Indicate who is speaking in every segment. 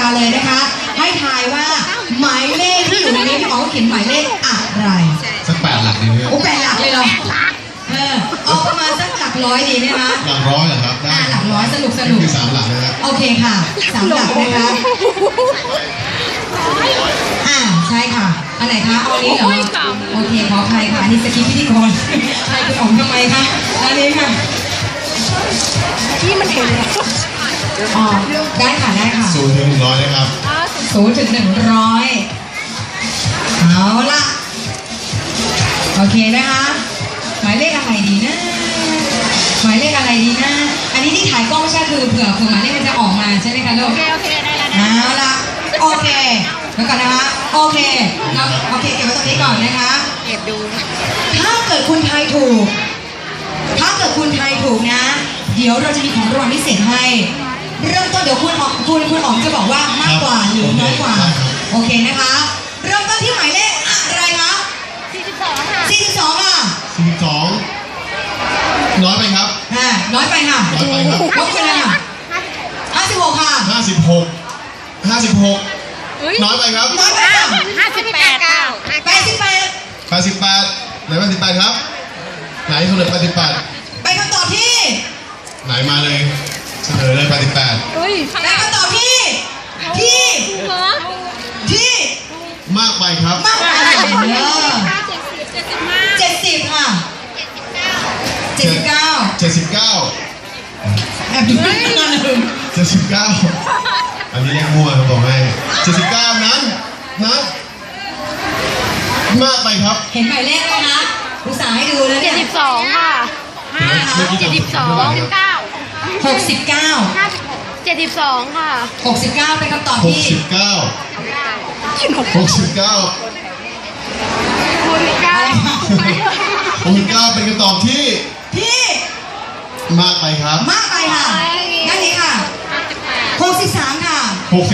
Speaker 1: าเลยนะคะให้ทายว่าหมายเลขที่อยู่ในนี้พี่อ๋อเขียนหมายเลขอะไร
Speaker 2: สัก8 หลักดีไหมครับ
Speaker 1: โอ้8 หลักเลยเหรอเอาประมาณสักหลักร้อยดีไหมคะ
Speaker 2: หลักร้อยเหรอครับได้
Speaker 1: หลักร้อยสนุก
Speaker 2: คือ3 หลักนะครับ
Speaker 1: โอเคค่ะ3 หลักนะคะใช่ค่ะอันไหนคะเอานี้เหรอโอเคขออภัยค่ะนี่สกิปพิธีกรใครคุณอ๋องทำไมคะอันนี้ค่ะ
Speaker 3: ที่มันเห็น
Speaker 1: อ๋อได้ค่ะได้ค่ะ
Speaker 2: 0 ถึง 100นะครับ
Speaker 1: 0 ถึง 100เอาละโอเคนะคะหมายเลขอะไรดีนะหมายเลขอะไรดีนะอันนี้ที่ถ่ายกล้องใช่คือเผื่อหมายเลขมันจะออกมาใช่ไหมคะลูก
Speaker 3: โอเคได้แล้ว
Speaker 1: เอาละโอเคแล้วก่อนนะคะโอเคโอเคเก็บไว้ตรงนี้ก่อนนะคะ
Speaker 3: เก็บดู
Speaker 1: ถ้าเกิดคุณทายถูกนะเดี๋ยวเราจะมีของรางวัลพิเศษให้เริ่มต้นเดี๋ยวคุณอ๋องจะบอกว่ามากกว่าหรือน้อยกว่าโอเคนะคะเริ่มต้นที่หมายเลขอะไรคะ
Speaker 3: 42ค่ะ
Speaker 1: 42ค่ะ
Speaker 2: 42น้อยไปครับ
Speaker 1: น้อยไปค่ะ
Speaker 2: น้อยไปครับ
Speaker 1: ลบไปเลยค่ะ56ค่ะ
Speaker 2: 56น้อยไปครับ
Speaker 1: น้อยไปค่ะ
Speaker 3: 58ค่ะ
Speaker 2: 88ไหน88ครับไหนเฉลย88
Speaker 1: ไปคำตอบที่
Speaker 2: ไหนมาเลยเฉลยเลย88
Speaker 3: เฮ้ย
Speaker 1: ไปคำตอบที่
Speaker 2: มากไปครับ
Speaker 1: มากไป70ค่ะ79แอบดูไม่นานเลย
Speaker 2: 79อันนี้เลขมั่วครับบอกให้79นั้นมากไปครับ
Speaker 1: เห็นหมายเลขไหมคะอุตส่าห์ให้ดูแล้วเนี่ย
Speaker 3: 72ค่ะ72
Speaker 1: 69
Speaker 3: 72ค่ะ
Speaker 1: 69เป็นคำตอบที่
Speaker 2: 69เป็นคำตอบที่มากไปครับ
Speaker 1: มากไปค่ะด้านนี้ค่ะ63ค่ะ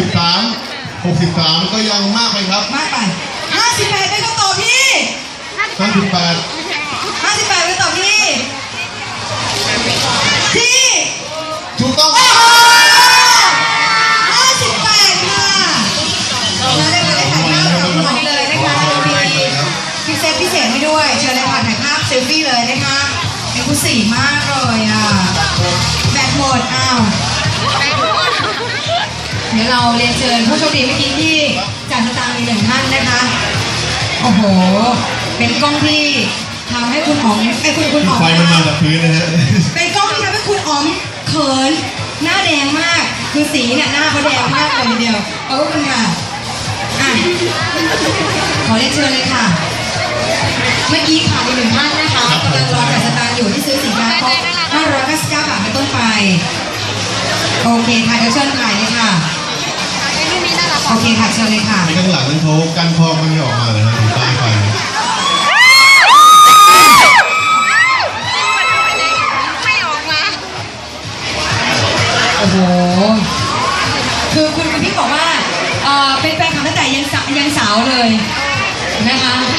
Speaker 2: 63ก็ยังมากไปครับ
Speaker 1: มากไป58เป็นคำตอบที่
Speaker 2: 58
Speaker 1: เป็นคำตอบที่
Speaker 2: ถูกต้อง
Speaker 1: 58ค่ะเราได้มาได้ถ่ายภาพกับคุณอ๋องเลยนะคะมีพิเศษให้ด้วยเชิญเลยค่ะถ่ายภาพเซลฟี่เลยนะคะเอ็กซ์คลูซีฟมากเลยแบตหมดเดี๋ยวเราเรียนเชิญผู้โชคดีเมื่อกี้ที่จัดสตางค์อีก1 ท่านนะคะโอ้โหเป็นกล้องที่ทำให้คุณอ๋องคุณอ๋อง
Speaker 2: ไฟมันมาจากพื้นนะฮะ
Speaker 1: เป็นกล้องที่ทำให้คุณอ๋องเขินหน้าแดงมากคือสีเนี่ยหน้าเขาแดงมากเลยทีเดียวขอบคุณค่ะขอเรียนเชิญเลยค่ะเมื่อกี้ค่ะอีก1 ท่านนะคะกำลังรอจัดสตางค์อยู่ที่ซื้อสินค้าครบ599 บาทเป็นต้นไปโอเคค่ะเดี๋ยวเชิญถ่ายเลยค่ะโอเคค่ะเชิญเลยค่ะ
Speaker 2: ในข้างหลังนั้นเขากั้นคอกไม่ออกมาเลยนะถึงใต้ไฟ
Speaker 3: ไม่ออกมา
Speaker 1: โอ้โหคือคุณพี่บอกว่าเป็นแฟนคลับตั้งแต่ยังสาวเลยนะคะ